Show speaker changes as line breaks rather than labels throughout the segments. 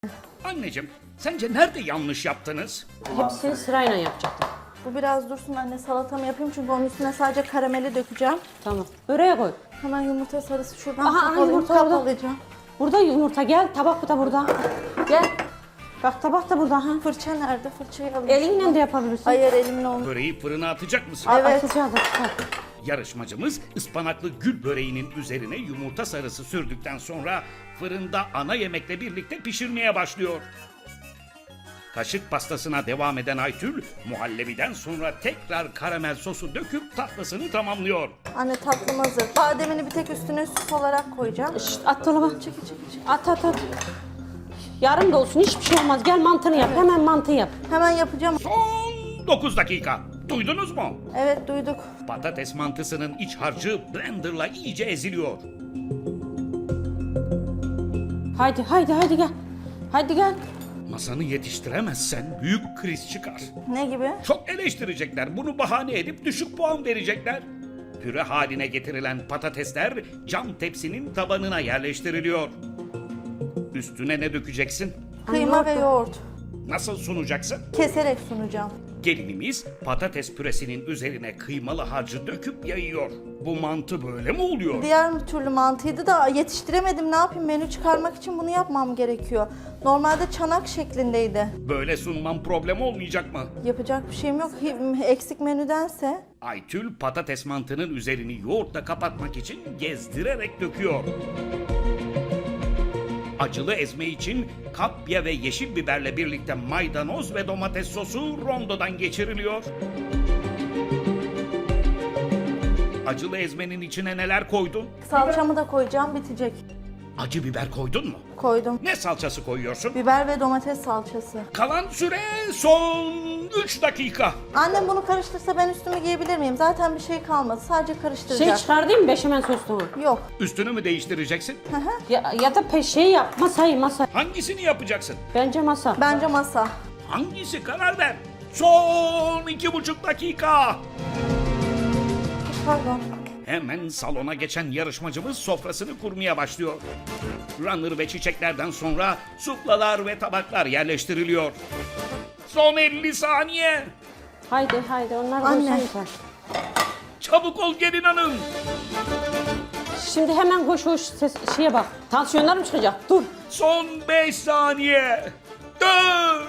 Anneciğim, sence nerede yanlış yaptınız?
Hepsini sırayla yapacaktım.
Bu biraz dursun anne, salatamı yapayım çünkü onun üstüne sadece karameli dökeceğim.
Tamam. Böreğe koy.
Hemen yumurta sarısı şuradan
Aha,
kap alayım,
yumurta
kap
orada.
alacağım.
Burada yumurta gel. Tabak da burada. Gel. Bak tabak da burada. Ha.
Fırça nerede? Fırçayı alayım.
Elinle de yapabilirsin.
Hayır, elimle olmuyor.
Böreği fırına atacak mısın?
Evet.
Atacağız.
Yarışmacımız ıspanaklı gül böreğinin üzerine yumurta sarısı sürdükten sonra fırında ana yemekle birlikte pişirmeye başlıyor. Kaşık pastasına devam eden Aytül, muhallebiden sonra tekrar karamel sosu döküp tatlısını tamamlıyor.
Anne tatlım hazır. Bademini bir tek üstüne süs olarak koyacağım.
Şşt, at dolaba.
Çekil çekil çekil.
At. Yarım da olsun hiçbir şey olmaz. Gel mantını yap. Hemen mantı yap.
Hemen yapacağım.
Son 9 dakika. Duydunuz mu?
Evet, duyduk.
Patates mantısının iç harcı blenderla iyice eziliyor.
Haydi gel. Haydi gel.
Masanı yetiştiremezsen büyük kriz çıkar.
Ne gibi?
Çok eleştirecekler. Bunu bahane edip düşük puan verecekler. Püre haline getirilen patatesler cam tepsinin tabanına yerleştiriliyor. Üstüne ne dökeceksin?
Kıyma ve yoğurt.
Nasıl sunacaksın?
Keserek sunacağım.
Gelinimiz patates püresinin üzerine kıymalı harcı döküp yayıyor. Bu mantı böyle mi oluyor?
Diğer türlü mantıydı da yetiştiremedim. Ne yapayım? Menü çıkarmak için bunu yapmam gerekiyor. Normalde çanak şeklindeydi.
Böyle sunmam problem olmayacak mı?
Yapacak bir şeyim yok. Eksik menüdense.
Aytül patates mantının üzerini yoğurtla kapatmak için gezdirerek döküyor. Acılı ezme için kapya ve yeşil biberle birlikte maydanoz ve domates sosu rondodan geçiriliyor. Acılı ezmenin içine neler koydun?
Salçamı da koyacağım, bitecek.
Acı biber koydun mu?
Koydum.
Ne salçası koyuyorsun?
Biber ve domates salçası.
Kalan süre son 3 dakika.
Annem bunu karıştırsa ben üstümü giyebilir miyim? Zaten bir şey kalmadı. Sadece karıştıracak.
Çıkardın mı beşamel sosunu?
Yok.
Üstünü mü değiştireceksin?
Ya da şey yap. Masa.
Hangisini yapacaksın?
Bence masa.
Bence masa.
Hangisi karar ver. Son 2,5 dakika.
Pardon.
Hemen salona geçen yarışmacımız sofrasını kurmaya başlıyor. Runner ve çiçeklerden sonra suplalar ve tabaklar yerleştiriliyor. Son 50 saniye.
Haydi onlar
Anne.
koysan yeter.
Çabuk ol gelin hanım.
Şimdi hemen koş şeye bak. Tansiyonlar mı çıkacak? Dur.
Son 5 saniye. 4,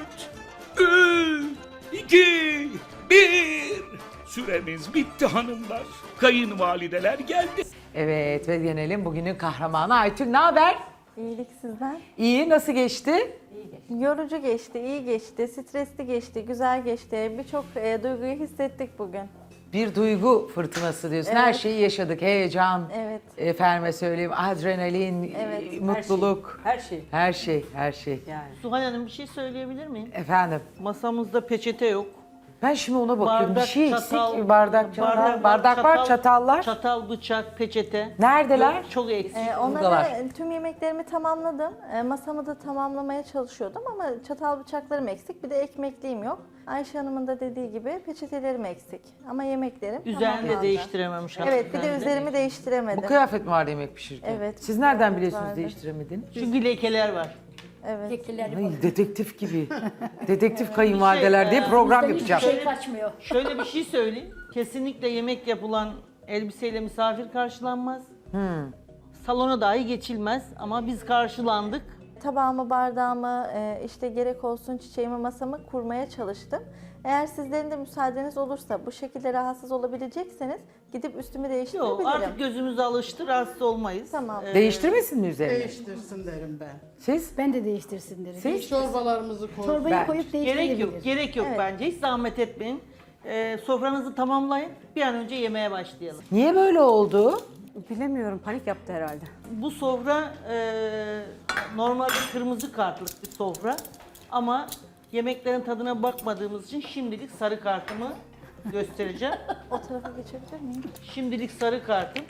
3, 2, 1. Süremiz bitti hanımlar. Kayınvalideler geldi.
Evet ve yenelim bugünün kahramanı Aytül. Ne haber?
İyilik sizden.
İyi, nasıl geçti?
Yorucu geçti, iyi geçti, stresli geçti, güzel geçti. Birçok duyguyu hissettik bugün.
Bir duygu fırtınası diyorsun. Her
Evet.
şeyi yaşadık. Heyecan,
Evet.
efendime söyleyeyim, adrenalin,
Evet.
mutluluk.
Her şey.
Her şey.
Yani.
Zuhal Hanım bir şey söyleyebilir miyim?
Efendim,
Masamızda peçete yok.
ben şimdi ona bakıyorum.
Bardak,
bir şey
çatal,
eksik. Bardak var, çatallar.
Çatal, bıçak, peçete.
Neredeler?
Yok, çok eksik.
Buradalar.
Tüm yemeklerimi tamamladım. Masamı da tamamlamaya çalışıyordum ama çatal bıçaklarım eksik. Bir de ekmekliğim yok. Ayşe Hanım'ın da dediği gibi peçetelerim eksik. Ama yemeklerim
Üzerini de
tamamlandı.
değiştirememiş.
Evet, bir de
hakikaten
üzerimi değiştiremedim.
Bu kıyafet mi vardı yemek pişirirken?
Evet.
Siz nereden
Evet,
biliyorsunuz
vardı.
değiştiremediğini?
Çünkü lekeler var.
Evet.
Ay, detektif gibi. Detektif kayınvalideler diye program yapacağım.
Şöyle bir şey söyleyeyim. Kesinlikle yemek yapılan elbiseyle misafir karşılanmaz. Salona dahi geçilmez ama biz karşılandık.
Tabağımı, bardağımı, işte gerek olsun çiçeğimi, masamı kurmaya çalıştım. Eğer sizlerin de müsaadeniz olursa bu şekilde rahatsız olabilecekseniz gidip üstümü
Yok
değiştirebilirim.
artık gözümüz alıştı, rahatsız olmayız.
Tamam.
Değiştirmesin mi üzerine?
Değiştirsin derim ben.
Siz?
Ben de değiştirsin derim.
Siz?
Çorbalarımızı koy.
Çorbayı
Ben-
koyup
Gerek
değiştirebilir.
yok, gerek yok bence. Hiç zahmet etmeyin. Sofranızı tamamlayın. Bir an önce yemeğe başlayalım.
Niye böyle oldu?
Bilemiyorum panik yaptı herhalde.
Bu sofra normalde kırmızı kartlık bir sofra ama yemeklerin tadına bakmadığımız için şimdilik sarı kartımı göstereceğim.
O tarafa geçebilir miyim?
Şimdilik sarı kartım.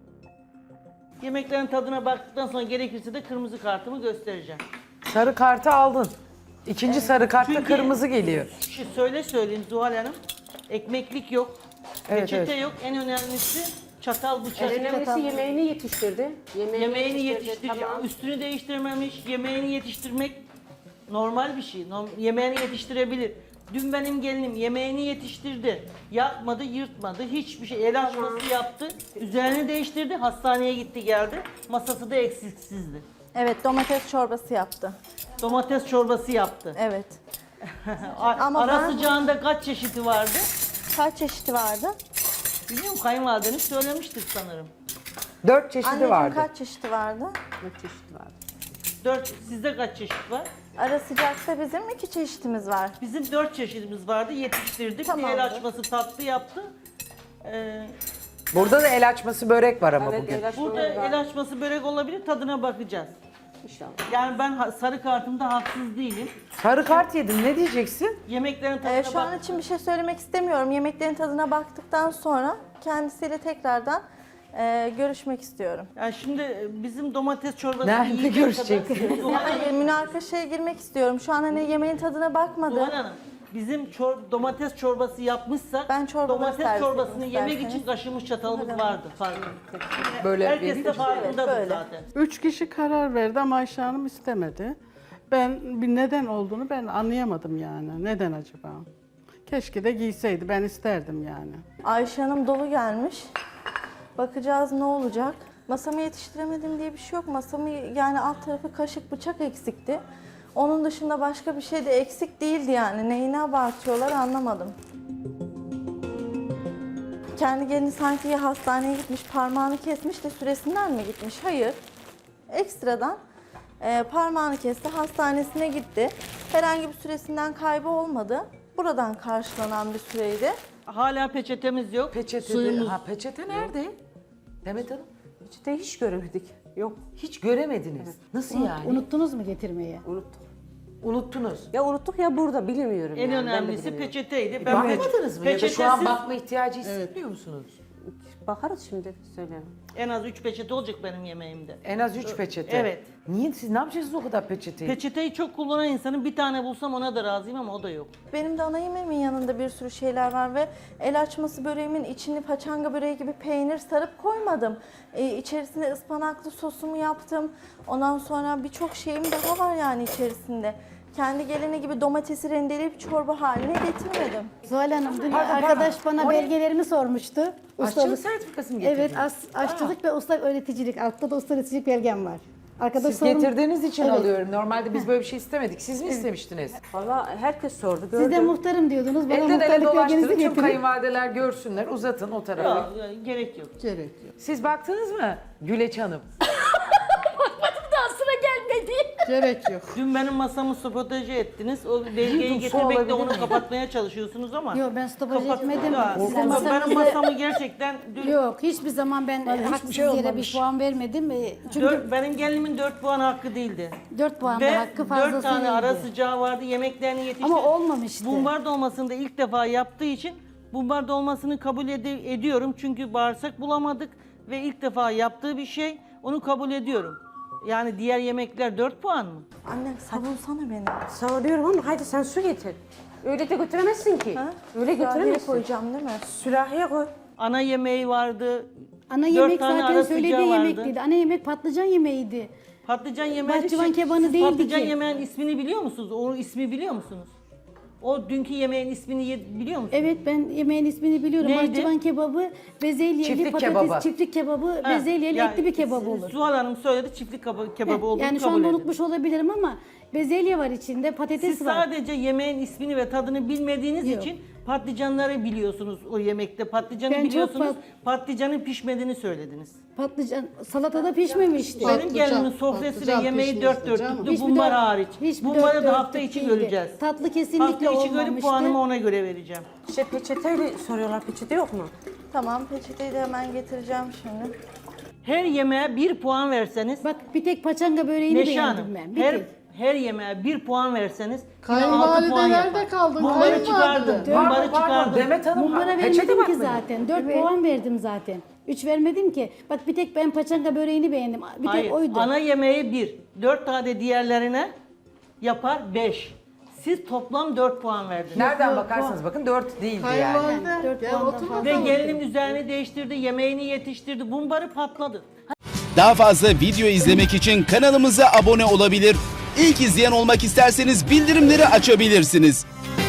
Yemeklerin tadına baktıktan sonra gerekirse de kırmızı kartımı göstereceğim.
Sarı kartı aldın. İkinci sarı kartta
Çünkü-
kırmızı geliyor.
Söyleyeyim Zuhal Hanım. Ekmeklik yok.
Evet,
Peçete
evet.
yok. En önemlisi çatal bıçak.
En önemlisi yemeğini yetiştirdi.
Yemeğini yetiştir,
tamam.
üstünü değiştirmemiş, yemeğini yetiştirmek Normal bir şey. Yemeğini yetiştirebilir. Dün benim gelinim yemeğini yetiştirdi. Yakmadı, yırtmadı. Hiçbir şey. El açması yaptı. Üzerini değiştirdi. Hastaneye gitti geldi. Masası da eksiksizdi.
Evet, domates çorbası yaptı.
Domates çorbası yaptı.
Evet. Ama
Ara
ben-
sıcağında kaç çeşidi vardı?
Kaç çeşidi vardı?
Biliyor musun? Kayınvalideniz söylemiştir sanırım.
4 çeşidi
Anneciğim
vardı.
kaç çeşidi vardı?
4, sizde kaç çeşit var?
Ara sıcakta bizim 2 çeşitimiz var.
Bizim 4 çeşidimiz vardı. Yetiştirdik.
Tamamdır.
El açması tatlı yaptı.
Burada da el açması börek var ama bugün.
Burada el açması börek olabilir. Tadına bakacağız. İnşallah. Yani ben sarı kartımda haksız değilim.
Sarı kart yedin, ne diyeceksin?
Yemeklerin tadına
Şu an
bak.
için bir şey söylemek istemiyorum. Yemeklerin tadına baktıktan sonra kendisiyle tekrardan görüşmek istiyorum.
Yani şimdi bizim domates çorbası
Nerede
yiyecek
görüşeceksin?
kadar- Zuhal Hanım,
Hayır, münakaşaya girmek istiyorum. Şu an hani yemeğin tadına bakmadım.
Zuhal Hanım, bizim domates çorbası yapmışsak
Ben çorbaları
domates
servis
çorbasını
edeyim
yemek
isterseniz.
için kaşığımız çatalımız vardı. Farklı.
Böyle
Herkes
vereyim
de
mi?
farkındadır
Evet, böyle.
zaten.
3 kişi karar verdi ama Ayşe Hanım istemedi. Ben bir neden olduğunu ben anlayamadım yani. Neden acaba? Keşke de giyseydi. Ben isterdim yani.
Ayşe Hanım dolu gelmiş. Bakacağız ne olacak. Masamı yetiştiremedim diye bir şey yok. Masamı yani alt tarafı kaşık bıçak eksikti. Onun dışında başka bir şey de eksik değildi yani. Neyini abartıyorlar anlamadım. Kendi gelini sanki ya hastaneye gitmiş, parmağını kesmiş de süresinden mi gitmiş? Hayır. Ekstradan parmağını kesti, hastanesine gitti. Herhangi bir süresinden kaybı olmadı. Buradan karşılanan bir süreydi.
Hala peçetemiz yok.
Peçete, ha, peçete nerede? Demet Hanım,
İşte hiç göremedik. Yok.
hiç göremediniz. Nasıl yani?
Unuttunuz mu getirmeye?
Unuttunuz.
Ya unuttuk ya burada bilmiyorum.
En
yani. Ben de
önemlisi
bilmiyorum.
peçeteydi.
Bakmadınız mı? Ya da şu an
peçetesiz-
bakma ihtiyacı hissediyor musunuz?
Bakarız şimdi söylerim.
En az 3 peçete olacak benim yemeğimde.
En az 3 peçete.
Evet.
Niye? Siz ne yapacaksınız o kadar peçeteyi?
Peçeteyi çok kullanan insanın bir tane bulsam ona da razıyım ama o da yok.
Benim de ana yemeğimin yanında bir sürü şeyler var ve el açması böreğimin içini paçanga böreği gibi peynir sarıp koymadım. İçerisine ıspanaklı sosumu yaptım. Ondan sonra birçok şeyim daha var yani içerisinde. Kendi geleni gibi domatesi rendeleyip çorba haline getirmedim.
Zuhal Hanım dün
Pardon,
arkadaş
pardon.
bana
O ne?
belgelerimi sormuştu.
Aşçılık sertifikası mı getirdiniz?
Evet, aşçılık ve usta öğreticilik. Altta da usta öğreticilik belgem var. Arkadaş
Siz getirdiğiniz için
Evet.
alıyorum. Normalde biz böyle bir şey istemedik. Siz mi istemiştiniz?
Valla herkes sordu.
Siz de
Gördüm.
muhtarım diyordunuz. Bana
Elden ele
muhtarlık belgenizi
dolaştırın. Tüm
getirin.
kayınvalideler görsünler. Uzatın o tarafa.
Ya, gerek yok.
Gerek yok.
Siz baktınız mı Güleç Hanım?
Daha sıra gelmedi.
Gerek yok.
Dün benim masamı sabotaje ettiniz. O belgeyi
su
getirmekle
alabilir
onu
miyim?
kapatmaya çalışıyorsunuz ama.
Yok ben stopaj etmedim.
Ya,
Sizin
benim
masanızı-
masamı gerçekten dün
Yok hiçbir zaman ben haksız
şey
yere
olmamış.
bir puan vermedim. Çünkü
benim gelinimin 4 puan hakkı değildi.
4 puan
Ve
da hakkı
4
fazlasıydı.
tane ara sıcağı vardı. Yemeklerini yetiştirdi.
Ama olmamıştı.
Bumbar dolmasını da ilk defa yaptığı için bumbar dolmasını kabul ediyorum. Çünkü bağırsak bulamadık ve ilk defa yaptığı bir şey. Onu kabul ediyorum. Yani diğer yemekler 4 puan mı?
Anne savunsana beni.
Savunuyorum ama haydi sen su getir. Öyle de götüremezsin ki.
Ha?
Öyle
Sürahiye
götüremezsin.
koyacağım değil mi?
Sürahiye koy.
Ana yemeği vardı.
Ana
4
yemek
tane
zaten
ara
söylediği
sıcağı
yemek
vardı.
değil. Ana yemek patlıcan yemeğiydi.
Patlıcan yemeği.
Bahçıvan kebanı
Siz
değildi
patlıcan
ki.
yemeğin ismini biliyor musunuz? O ismi biliyor musunuz? O dünkü yemeğin ismini biliyor musunuz?
Evet ben yemeğin ismini biliyorum.
Neydi?
Bahçıvan kebabı, bezelyeli
Çiftlik
patates,
kebabı.
çiftlik kebabı,
Ha,
bezelyeli
yani
etli bir kebap olur.
Zuhal Hanım söyledi çiftlik kebabı olduğunu
Yani şu
kabul
anda
edin.
unutmuş olabilirim ama bezelye var içinde, patates
Siz
var.
sadece yemeğin ismini ve tadını bilmediğiniz
Yok.
için patlıcanları biliyorsunuz o yemekte. Patlıcanı
Ben çok
biliyorsunuz, patlıcanın pişmediğini söylediniz.
Patlıcan salatada pişmemişti.
Benim gelinimin sofrası ve
patlıcan
yemeği dört
pişmişti canım.
dörtlüktü, bumbar hariç. Bumbarı da hafta içi göreceğiz.
Tatlı kesinlikle
Hafta içi görüp
olmamıştı.
puanımı ona göre vereceğim.
İşte peçeteyle soruyorlar. Peçete yok mu?
Tamam peçeteyi de hemen getireceğim şimdi.
Her yemeğe 1 puan verseniz,
Bak bir tek paçanga böreğini
Neşe
beğendim
Hanım,
ben. Bir
her
tek.
her yemeğe 1 puan verseniz yine 6 puan
Kayınvalide
yapar.
nerede kaldın?
Bumbarı çıkardım,
Kayınvalide.
bumbarı
Pardon,
çıkardım.
Demet Hanım.
Mumbara
peçete
vermedim ki
bakmayın.
zaten. 4 puan verdim zaten. 3 vermedim ki. Bak bir tek ben paçanga böreğini beğendim. Bir
Hayır,
tek oydu.
ana yemeği 1, 4 tane diğerlerine yapar 5. Siz toplam 4 puan verdiniz.
Nereden bakarsanız bakın 4 değildi yani.
Kayınvalide.
Dört
Gel
puandan
otur
fazla.
Ve
bakalım.
gelinim üzerini değiştirdi, yemeğini yetiştirdi, bumbarı patladı.
Daha fazla video izlemek için kanalımıza abone olabilir. İlk izleyen olmak isterseniz bildirimleri açabilirsiniz.